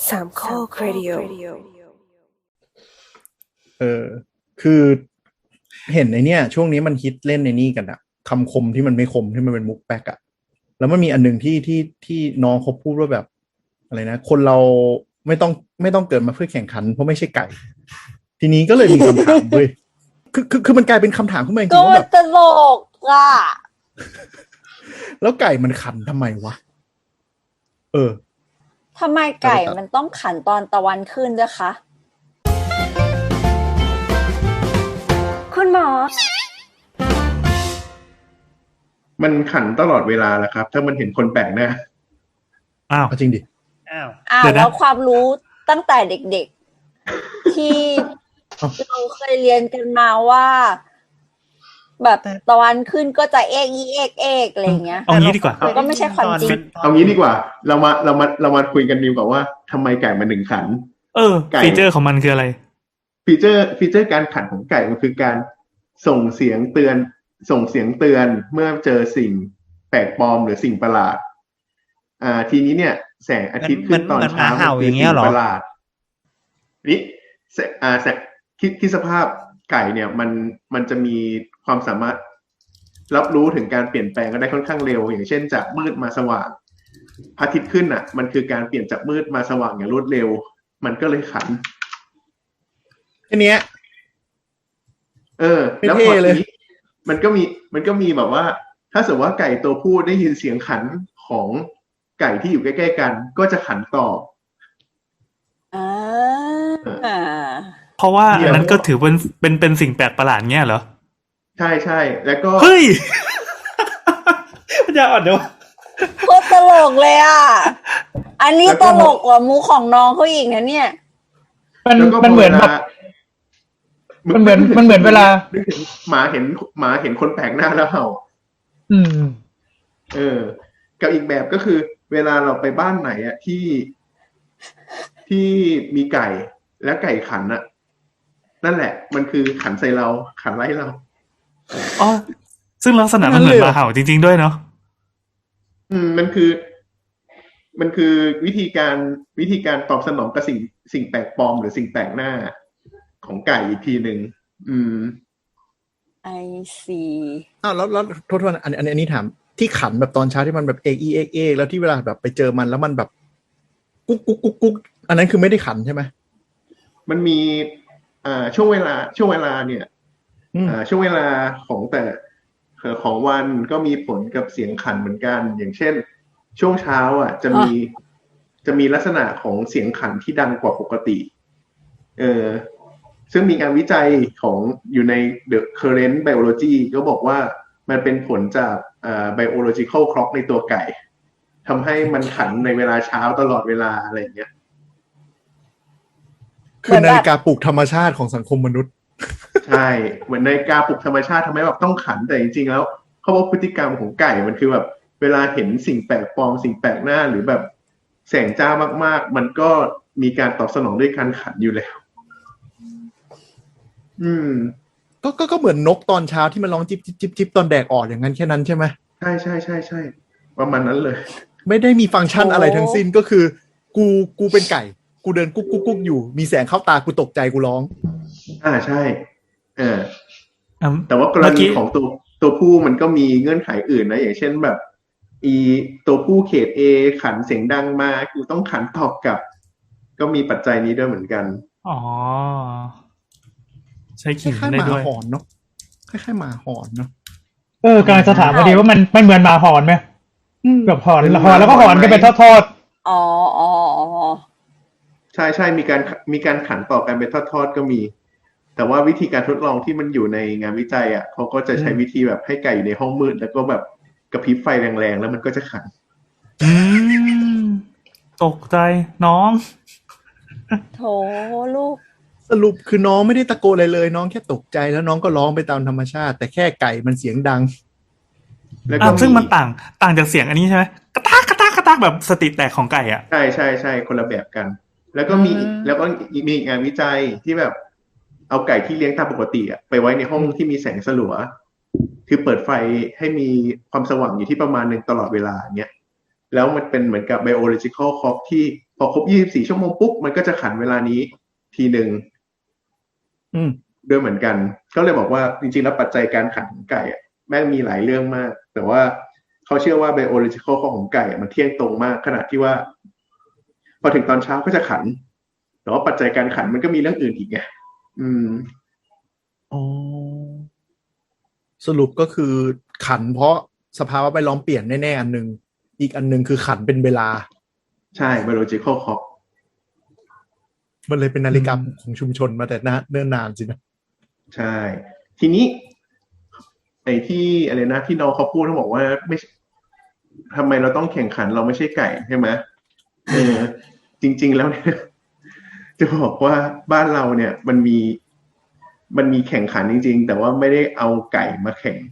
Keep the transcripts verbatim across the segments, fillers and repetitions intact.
สามข้อครดิโอเออคือเห็นในเนี้ยช่วงนี้มันฮิตเล่นในนี่กันอะคำคมที่มันไม่คมที่มันเป็นมุกแป๊กอะแล้วมันมีอันหนึ่งที่ที่ที่น้องเขาพูดว่าแบบอะไรนะคนเราไม่ต้องไม่ต้องเกิดมาเพื่อแข่งขันเพราะไม่ใช่ไก่ทีนี้ก็เลยมีคำถามเว้ยคือคือคือมันกลายเป็นคำถามขึ้นมาจริงๆว่าแบบตลกอ่ะแล้วไก่มันขันทำไมวะเออทำไมไก่มันต้องขันตอนตะวันขึ้นด้วยคะคุณหมอมันขันตลอดเวลาแหละครับถ้ามันเห็นคนแปลกหน้าอ้าวจริงดิอ้าวอ้าวแล้วความรู้ตั้งแต่เด็กๆที่เราเคยเรียนกันมาว่าแบบตะวันขึ้นก็จะเอกอีเอกเอกอะไรเงี้ยเอางี้ดีกว่าก็ไม่ใช่ความจริงเอางี้ดีกว่าเรามาเรามาเรามาคุยกันดีกว่าว่าทำไมไก่มันถึงขันเออฟีเจอร์ของมันคืออะไรฟีเจอร์ฟีเจอร์การขันของไก่มันคือการส่งเสียงเตือนส่งเสียงเตือนเมื่อเจอสิ่งแปลกปลอมหรือสิ่งประหลาดอ่าทีนี้เนี่ยแสงอาทิตย์ขึ้นตอนเช้าคือสิ่งประหลาดนี่อ่าแสงคิดคิดสภาพไก่เนี่ยมันมันจะมีความสามารถรับรู้ถึงการเปลี่ยนแปลงก็ได้ค่อนข้างเร็วอย่างเช่นจากมืดมาสว่างพระอาทิตย์ขึ้นอ่ะมันคือการเปลี่ยนจากมืดมาสว่างอย่างรวดเร็วมันก็เลยขันอันเนี้ยเออแล้วพอทีนี้มันก็มีมันก็มีแบบว่าถ้าสมมติว่าไก่ตัวผู้ได้ยินเสียงขันของไก่ที่อยู่ใกล้ๆกันก็จะขันตอบอ่าเพราะว่าอันนั้นก็ถือเป็นเป็นเป็นสิ่งแปลกประหลาดเงี้ยเหรอใช่ใช่แล้วก็เฮ้ยอย่าอ่อนเดี๋ยวโคตรตลกเลยอ่ะอันนี้ตลกกว่ามูของน้องเขาอีกนะเนี่ยมันมันเหมือนแบบมันเหมือนมันเหมือนเวลาหมาเห็นหมาเห็นคนแปลกหน้าแล้วเห่าอืมเออกับอีกแบบก็คือเวลาเราไปบ้านไหนอ่ะที่ที่มีไก่แล้วไก่ขันอ่ะนั่นแหละมันคือขันใส่เราขันไล่เราอ๋อซึ่งลักษณะมันเหมือนหมาเห่าจริงๆด้วยเนาะอืมมันคือมันคือวิธีการวิธีการตอบสนองกับสิ่งสิ่งแปลกปลอมหรือสิ่งแปลกหน้าของไก่อีกทีหนึ่งอืมไอซีอ้าวแล้วแล้วโทษๆอันอันอันนี้ถามที่ขันแบบตอนเช้าที่มันแบบเอกอีเอกเอกแล้วที่เวลาแบบไปเจอมันแล้วมันแบบกุ๊กกุ๊กกุ๊กกุ๊กอันนั้นคือไม่ได้ขันใช่ไหมมันมีอ่าช่วงเวลาช่วงเวลาเนี่ยอ่าช่วงเวลาของแต่ของวันก็มีผลกับเสียงขันเหมือนกันอย่างเช่นช่วงเช้าอ่ะจะมีจะมีลักษณะของเสียงขันที่ดังกว่าปกติเออซึ่งมีการวิจัยของอยู่ใน The Current Biology ก็บอกว่ามันเป็นผลจากอ่า biological clock ในตัวไก่ทำให้มันขันในเวลาเช้าตลอดเวลาอะไรอย่างเงี้ยคือนาฬิกาปลุกธรรมชาติของสังคมมนุษย์ใช่เหมือนนาฬิกาปลุกธรรมชาติทำให้แบบต้องขันแต่จริงๆแล้วเขาบอกพฤติกรรมของไก่มันคือแบบเวลาเห็นสิ่งแปลกปลอมสิ่งแปลกหน้าหรือแบบแสงจ้ามากๆมันก็มีการตอบสนองด้วยการขันอยู่แล้วอืมก็ก็ก็เหมือนนกตอนเช้าที่มันร้องจิบจิบจิบจิบตอนแดดออกอย่างนั้นแค่นั้นใช่ไหมใช่ใช่ใช่ใช่ประมาณนั้นเลยไม่ได้มีฟังก์ชันอะไรทั้งสิ้นก็คือกูกูเป็นไก่กูเดินกุ๊กกุ๊กกุ๊กอยู่มีแสงเข้าตากูตกใจกูร้องอ่าใช่เออแต่ว่ากรณีของตัวตัวผู้มันก็มีเงื่อนไขอื่นนะอย่างเช่นแบบอีตัวผู้เขต A ขันเสียงดังมากูต้องขันตอบกลับก็มีปัจจัยนี้ด้วยเหมือนกันอ๋อใช่ขิงได้ด้วยคล้ายๆหมาหอนเนาะคล้ายๆหมาหอนเนาะเออกำลังจะถามพอดีว่ามันมันเหมือนหมาหอนไหมแบบหอนหอนแล้วก็หอนกันเป็นทอดๆอ๋ออ๋อใช่ใช่มีการมีการขันต่อกันเป็นทอดๆก็มีแต่ว่าวิธีการทดลองที่มันอยู่ในงานวิจัยอ่ะเขาก็จะใช้วิธีแบบให้ไก่อยู่ในห้องมืดแล้วก็แบบกระพริบไฟแรงๆแล้วมันก็จะขันอืมตกใจน้องโถลูกสรุปคือน้องไม่ได้ตะโกนอะไรเลยน้องแค่ตกใจแล้วน้องก็ร้องไปตามธรรมชาติแต่แค่ไก่มันเสียงดังแล้วก็ซึ่งมันต่างต่างจากเสียงอันนี้ใช่ไหมกระตากกระตากกระตากแบบสติแตกของไก่อ่ะใช่ใช่ใช่คนละแบบกันแล้วก็มีแล้วก็มีงานวิจัยที่แบบเอาไก่ที่เลี้ยงตามปกติอ่ะไปไว้ในห้องที่มีแสงสลัวคือเปิดไฟให้มีความสว่างอยู่ที่ประมาณนึงตลอดเวลาเงี้ยแล้วมันเป็นเหมือนกับ biological clock ที่พอครบยี่สิบสี่ชั่วโมงปุ๊บมันก็จะขันเวลานี้ทีหนึ่งอืมด้วยเหมือนกันก็เลยบอกว่าจริงๆแล้วปัจจัยการขันของไก่อะแม่งมีหลายเรื่องมากแต่ว่าเขาเชื่อว่า biological clock ของไก่มันเที่ยงตรงมากขนาดที่ว่าพอถึงตอนเช้าก็จะขันแต่ว่าปัจจัยการขันมันก็มีเรื่องอื่นอีกไงอืมอ๋อสรุปก็คือขันเพราะสภาวะแวดล้อมเปลี่ยนแน่ๆอันนึงอีกอันนึงคือขันเป็นเวลาใช่ biological clock มันเลยเป็นนาฬิกาของชุมชนมาแต่เนิ่นนานสินะใช่ทีนี้ไอ้ที่อะไรนะที่น้องเขาพูดเขาบอกว่าไม่ทำไมเราต้องแข่งขันเราไม่ใช่ไก่ใช่ไหมเออจริงๆแล้วเนี่ยจะบอกว่าบ้านเราเนี่ยมันมีมันมีแข่งขันจริงๆแต่ว่าไม่ได้เอาไก่มาแข่ง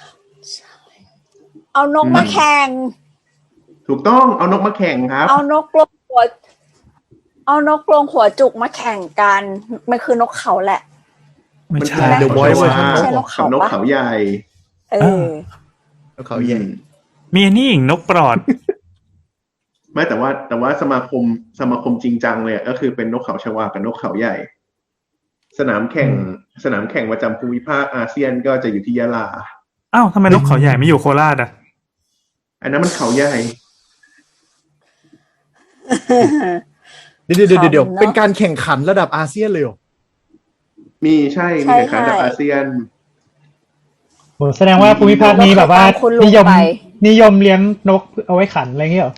เอานกมาแข่งถูกต้องเอานกมาแข่งครับเอานกกรงหัวเอานกกรงหัวจุกมาแข่งกันมันคือนกเขาแหละไม่ใช่เดี๋ยวบอยเวอร์ชันนกเขานกเขาใหญ่เออนกเขาใหญ่มีอันนี้อีกนกปลอดไม่แต่ว่าแต่ว่าสมาคมสมาคมจริงจังเลยก็คือเป็นนกเขาชวากับนกเขาใหญ่สนามแข่งสนามแข่งประจำภูมิภาคอาเซียนก็จะอยู่ที่ยะลาอ้าวทำไมนกเขาใหญ่ไม่อยู่โคราชอ่ะอันนั้นมันเขาใหญ่เดี๋ยวเดี๋ยวเดี๋ยวเป็นการแข่งขันระดับอาเซียนเลยเหรอมีใช่มีแข่งขันระดับอาเซียนโหแสดงว่าภูมิภาคนี้แบบว่านิยมนิยมเลี้ยงนกเอาไว้ขันอะไรเงี้ยเหรอ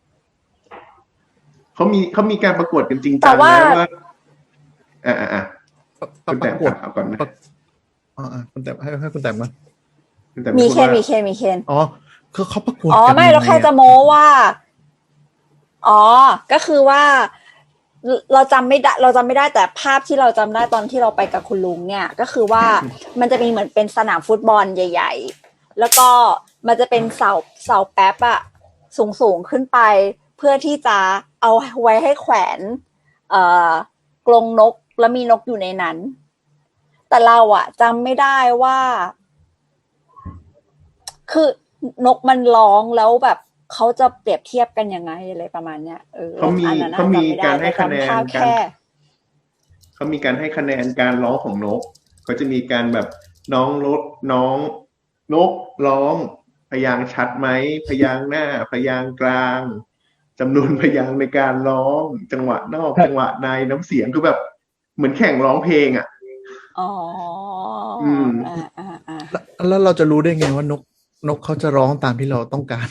เขามีเขามีการประกวดกันจริงจังนะว่าอ่าอ่าคุณแต่ประกวดเอาก่อนนะอ๋อคุณแต่ให้ให้คุณแต่มามีเคนมีเคนมีเคนอ๋อคือเขาประกวดอ๋อไม่เราแค่จะโม้ว่าอ๋อก็คือว่าเราจำไม่ได้เราจำไม่ได้แต่ภาพที่เราจำได้ตอนที่เราไปกับคุณลุงเนี่ยก็คือว่ามันจะมีเหมือนเป็นสนามฟุตบอลใหญ่ๆแล้วก็มันจะเป็นเสาเสาแป๊บอะสูงๆขึ้นไปเพื่อที่จะเอาไว้ให้แขวนเอ่อกรงนกแล้วมีนกอยู่ในนั้นแต่เราอะจำไม่ได้ว่าคือนกมันร้องแล้วแบบเขาจะเปรียบเทียบกันยังไงอะไรประมาณเนี้ยเออเขามีเขามีการให้คะแนนกันเขามีการให้คะแนนการร้องของนกเขาจะมีการแบบน้องรถน้องนกร้องพยางค์ชัดไหมพยางค์หน้าพยางค์กลางจำนวนพยางค์ในการร้องจังหวะนอกจังหวะในน้ำเสียงคือแบบเหมือนแข่งร้องเพลงอ่ะอ๋ออืมแล้วเราจะรู้ได้ไงว่านกนกเขาจะร้องตามที่เราต้องการ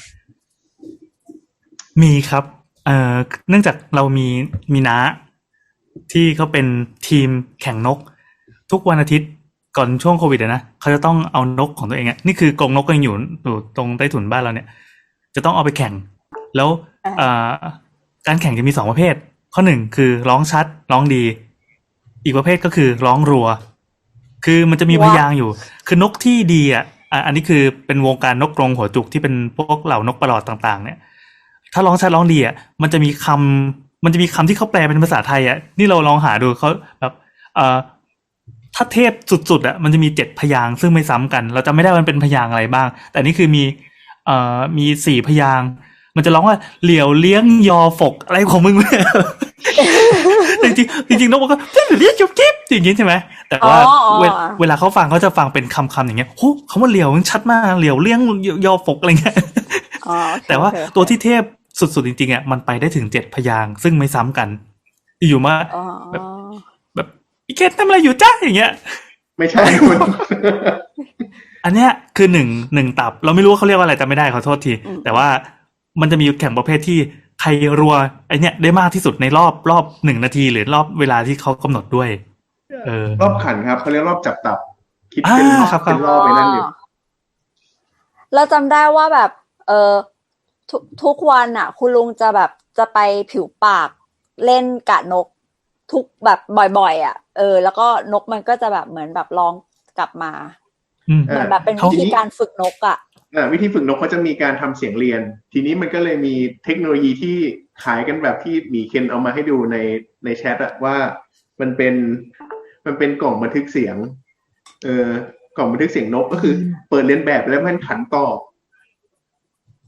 มีครับเอ่อเนื่องจากเรามีมีน้าที่เขาเป็นทีมแข่งนกทุกวันอาทิตย์ก่อนช่วงโควิดนะเขาจะต้องเอานกของตัวเองอ่ะนี่คือกรงนกก็ยังอยู่อยู่ตรงใต้ถุนบ้านเราเนี่ยจะต้องเอาไปแข่งแล้วเอ่อการแข่งจะมีสองประเภทข้อหนึ่งคือร้องชัดร้องดีอีกประเภทก็คือร้องรัวคือมันจะมีพยางค์อยู่คือนกที่ดีอ่ะอันนี้คือเป็นวงการนกกรงหัวจุกที่เป็นพวกเหล่านกประหลอดต่างๆเนี่ยถ้าร้องชัดร้องดีอ่ะมันจะมีคำมันจะมีคำที่เขาแปลเป็นภาษาไทยอ่ะนี่เราลองหาดูเขาแบบเอ่อถ้าเทพสุดๆอ่ะมันจะมีเจ็ดพยางค์ซึ่งไม่ซ้ำกันเราจำไม่ได้มันเป็นพยางค์อะไรบ้างแต่นี่คือมีเอ่อมีสี่พยางค์มันจะร้องว่าเหลียวเลี้ยงยอฝกอะไรของมึงเนี่ยจริงๆจริงๆนกมันก็เหลียวเลี้ยงจุ๊บจิ๊บอย่างงี้ใช่ไหมแต่ว่าเวลาเขาฟังเขาจะฟังเป็นคำๆอย่างเงี้ยโอ้คำว่าเหลียวมันชัดมากเหลียวเลี้ยงยอฝกอะไรเงี้ยแต่ว่าตัวที่เทพสุดๆจริงๆอ่ะมันไปได้ถึงเจ็ดพยางค์ซึ่งไม่ซ้ำกันอยู่มาแบบแบบอีเกตทำอะไรอยู่จ้าอย่างเงี้ยไม่ใช่คุณอันเนี้ยคือหนึ่งหนึ่งตับเราไม่รู้ว่าเขาเรียกว่าอะไรจำไม่ได้ขอโทษทีแต่ว่ามันจะมีแข่งประเภทที่ใครรัวไอเนี้ยได้มากที่สุดในรอบรอบหนึ่งนาทีหรือรอบเวลาที่เขากำหนดด้วยเออรอบขันครับเขาเรียกรอบจับตับคิดเป็นรอบเป็นรอบไปนั่นอยู่เราจำได้ว่าแบบเออทุกทุกวันอ่ะคุณลุงจะแบบจะไปผิวปากเล่นกะนกทุกแบบบ่อยๆอ่ะเออแล้วก็นกมันก็จะแบบเหมือนแบบร้องกลับมาเหมือนแบบเป็นวิธีการฝึกนกอ่ะอ่าวิธีฝึกนกเขาจะมีการทำเสียงเรียนทีนี้มันก็เลยมีเทคโนโลยีที่ขายกันแบบที่หมีเคนเอามาให้ดูในในแชทอะว่ามันเป็นมันเป็นกล่องบันทึกเสียงเออกล่องบันทึกเสียงนกก็คือเปิดเรียนแบบแล้วมันขันตอบ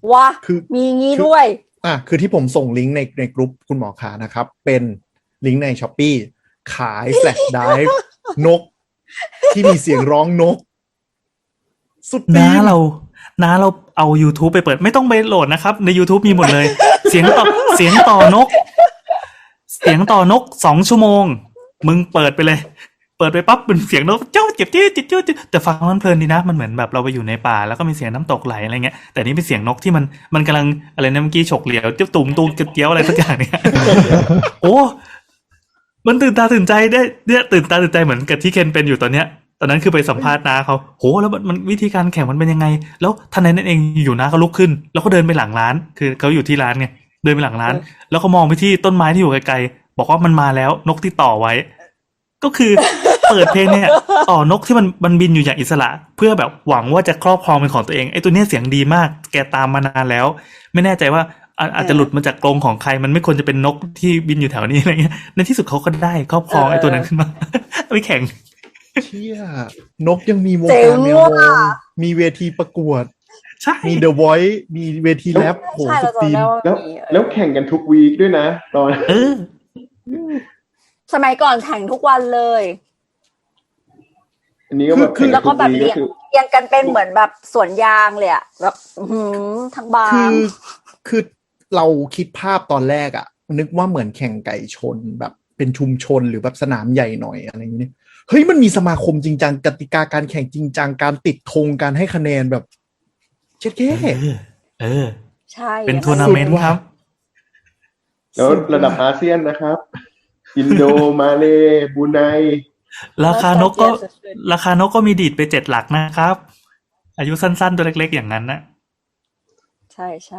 ว้าคือมีงี้คือด้วยอ่ะคือที่ผมส่งลิงก์ในในกลุ่มคุณหมอขานะครับ เป็นลิงก์ใน Shopee ขายแฟลชไดรฟ์นก ที่มีเสียงร้องนก สุดตีน้าน เราน้าเราเอา YouTube ไปเปิดไม่ต้องไปโหลดนะครับ ใน YouTube มีหมดเลย เสียงต่อเสียงต่อนก เสียงต่อนกสองชั่วโมง มึงเปิดไปเลย เปิดไปปั๊บเป็นเสียงนกเจ้าเจ็บจี้จิตเจ้าจิตแต่ฟังมันเพลินดีนะมันเหมือนแบบเราไปอยู่ในป่าแล้วก็มีเสียงน้ำตกไหลอะไรเงี้ยแต่นี่เป็นเสียงนกที่มันมันกำลังอะไรนะเมื่อกี้ฉกเหลียวเจ้าตุ่มตุ่มเจียวอะไรสักอย่างเนี่ย โอ้มันตื่นตาตื่นใจได้เนี่ยตื่นตาตื่นใจเหมือนกับที่เคนเป็นอยู่ตอนเนี้ยตอนนั้นคือไปสัมภาษณ์น้าเขาโหแล้วมันมันวิธีการแข่งมันเป็นยังไงแล้วทันใดนั้นเองอยู่น้าเขาลุกขึ้นแล้วก็เดินไปหลังร้านคือเขาอยู่ที่ร้านไงเดินไปหลังร้านแล้วก็มองไปที่ต้นไม้ที่อยู่ไกลๆบอกว่ามันมาแล้วนกที่ต่อไว้ก็คือ เปิดเพลงเนี่ยต่อนกที่มันมันบินอยู่อย่างอิสระเพื่อแบบหวังว่าจะครอบครองเป็นของตัวเองไอ้ตัวเนี้ยเสียงดีมากแกตามมานานแล้วไม่แน่ใจว่าอาอาจจะหลุดมาจากกรงของใครมันไม่ควรจะเป็นนกที่บินอยู่แถวนี้อะไรเงี้ยในที่สุดเขาก็ได้ครอบครองไอ้ตัวนั้นขึ้นมา ไปแข่งเชี่ยนกยังมีวงเจ๋กาง รแมวมว่ะองมีเวทีประกวดใช่มี The Voice มีเวทีแรปโหใช่สุเราดตีจำนได้ว่าแล้วมีเออแล้วแข่งกันทุกวีคด้วยนะตอนเออสมัยก่อนแข่งทุกวันเลยอันนี้ก็แบบคือข่งแล้วก็แบบทุเรียงคือเรียงกันเป็นเหมือนแบบสวนยางเลยอะแบบอื้อหือทั้งบาคืงอคือเราคิดภาพตอนแรกอะนึกว่าเหมือนแข่งไก่ชนแบบเป็นชุมชนหรือแบบสนามใหญ่หน่อยอะไรอย่างนี้เฮ้ยมันมีสมาคมจริงจังกติกาการแข่งจริงจังการติดธงการให้คะแนนแบบเช็ดแค่เออ เออใช่เป็นทัวร์นาเมนต์ครับแล้วระดับอาเซียนนะครับ อินโด มาเลบรูไนราคานกก็ ราคานกก็มีดีดไปเจ็ดหลักนะครับ อายุสั้นๆตัวเล็กๆอย่างนั้นนะใช่ใช่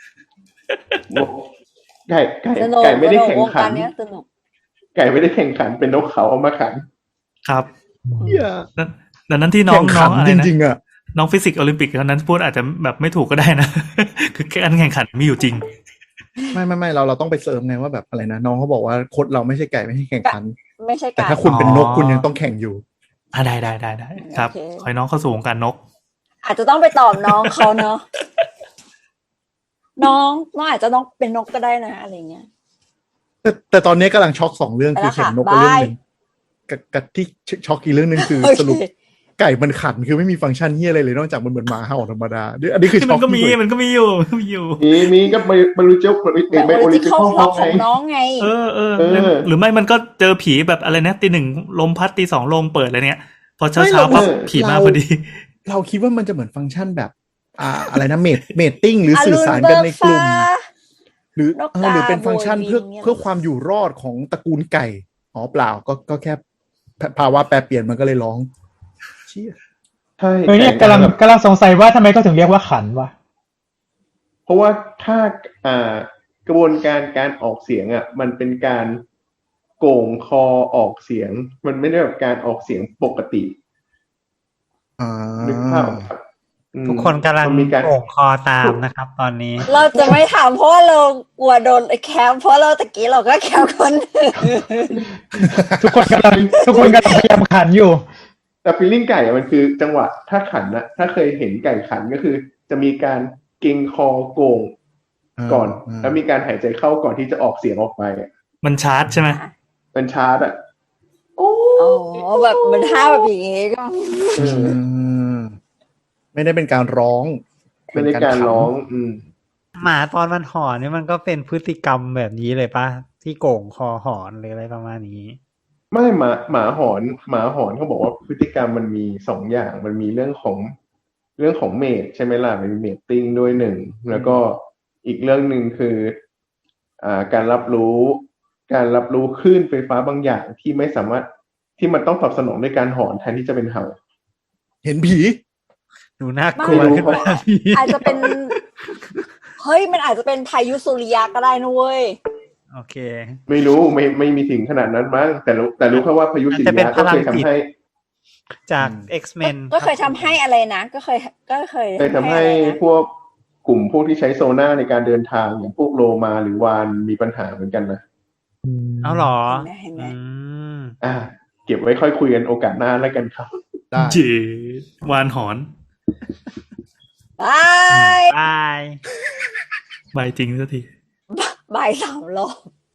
ไก่ไก่สนุกไก่ไม่ได้สนุกแข่งวงขัการนเนี้ยสนุกไก่ไม่ได้แข่งขันเป็นนกเขาเอามาขันครับเหี้ยดังดังนั้นที่น้องแข่งน้ขัอน งอะไรจนะริงๆอะน้องฟิสิกส์โอลิมปิกเท่านั้นพูดอาจจะแบบไม่ถูกก็ได้นะ คือการแข่งขันมีอยู่จริงไม่ไม่ไม่เราเราต้องไปเสริมไงว่าแบบอะไรนะน้องเขาบอกว่าโค้ดเราไม่ใช่ไก่ไม่ใช่แข่งขันไม่ใช่แต่การถ้าคุณเป็นนกอ๋อคุณยังต้องแข่งอยู่อ่าได้ได้ได้ได้ครับโอเคขอให้น้องเข้าสู่วงการนกอาจจะต้องไปตอบน้องเขาเนาะ น้องน้องอาจจะต้องเป็นนกก็ได้นะอะไรเงี้ยแต่แต่ตอนนี้กำลังช็อกสองเรื่องไปคืแล้อวเข็มค่ะนกกับเรื่องบายหนึ่งกับกับที่ช็อกอีกเรื่องหนึ่งคือโอเคสรุปไก่มันขันคือไม่มีฟังก์ชันเฮียอะไรเลยนอกจากมันเหมือนหมาเห่าธรรมดาอันนี้คือช็มัอกนก็มีที่สุดมันก็มีอยู่มันก็มีอยู่มีมีก็ไปบรรลุเจ้าแบบไปโอโอริลิจิมปิกคอลเข้าของน้องไงเออเออเออหรือไม่มันก็เจอผีแบบอะไรนะตีหนึ่งลมพัดตีสองลมเปิดอะไรเนี่ย พอเช้าเช้าปั๊บผีมาพอดีเราคิดว่ามันจะเหมือนฟังก์ชันแบบ อ่าอะไรนะเมดเมดติ้งหรือสื่อสารกันในกลุ่ม หรือนกเออหรือเป็นกาฟังก์ชันโบยบินเพื่อเนี่ยเพื่อความอยู่รอดของตระกูลไก่อ๋อเปล่าก็ก็แค่ภาวะแปรเปลี่ยนมันก็เลยร้องเชี่ยใช่เออเนี่ยแข่กำลังแบบกำลังสงสัยว่าทำไมก็ถึงเรียกว่าขันวะเพราะว่าถ้าอ่ากระบวนการการออกเสียงอ่ะ มันเป็นการโก่งคอออกเสียง มันไม่ได้แบบการออกเสียงปกติอ่านึกภาพออกครับอืมทุกคนกำลังมันมีการโก่งคอตามนะครับ ตอนนี้เราจะไม่ถามเพราะว่าเรากลัวโดนแคมเพราะเราตะกี้เราก็แคมคนอื่นทุกคนกำลังทุกคนกำลังพยายามขันอยู่แต่ฟีลลิ่งไก่อะมันคือจังหวะถ้าขันนะถ้าเคยเห็นไก่ขันก็คือ จะมีการเกร็งคอโก่งก่อนอ่าแล้วมีการหายใจเข้าก่อนที่จะออกเสียงออกไปอะมันชาร์จใช่ไหมเป็นชาร์ตอ่ะโอ้อ๋อแบบมันท่าแบบอย่างงี้ก็เออือมไม่ได้เป็นการร้องไม่ได้การร้อง อืมหมาตอนมันหอนนี่มันก็เป็นพฤติกรรมแบบนี้เลยปะที่โก่งคอหอนหรืออะไรประมาณนี้ไม่หมาหมาหอนหมาหอนเขาบอกว่าพฤติกรรมมันมีสองอย่างมันมีเรื่องของเรื่องของเมทใช่ไหมล่ะมันมีเมทติ้งด้วยหนึ่งแล้วก็อีกเรื่องหนึ่งคืออ่าการรับรู้ การรับรู้คลื่นไฟฟ้าบางอย่างที่ไม่สามารถที่มันต้องตอบสนองด้วยการหอนแทนที่จะเป็นเห่าเห็นผีดูน่ากลัวไม่รู้ขึ้นมาพี่อาจจะเป็น เฮ้ยมันอาจจะเป็นพายุสุริยะก็ได้นะเว้ยโอเคไม่รู้ไม่ไม่มีถึงขนาดนั้นมั้งแต่รู้แต่รู้แค่ว่าพายุสิอาจจะเป็นยะก็เคยพลังจิตทำให้จากอืม X-Men ก็เคยทำให้อะไรนะ ก็เคย ก็เคยเคยทำให้อะไรนะพวกกลุ่มพวกที่ใช้โซน่าในการเดินทางอย่างพวกโลมาหรือวานมีปัญหาเหมือนกันนะเอาเหรอเห็นไหมเห็นไหมอืมอ่า เก็บไว้ค่อยคุยกันโอกาสหน้าแล้วกันครับได้เจวานหอนบายบายใบจริงสักทีบ่ายสามรอบ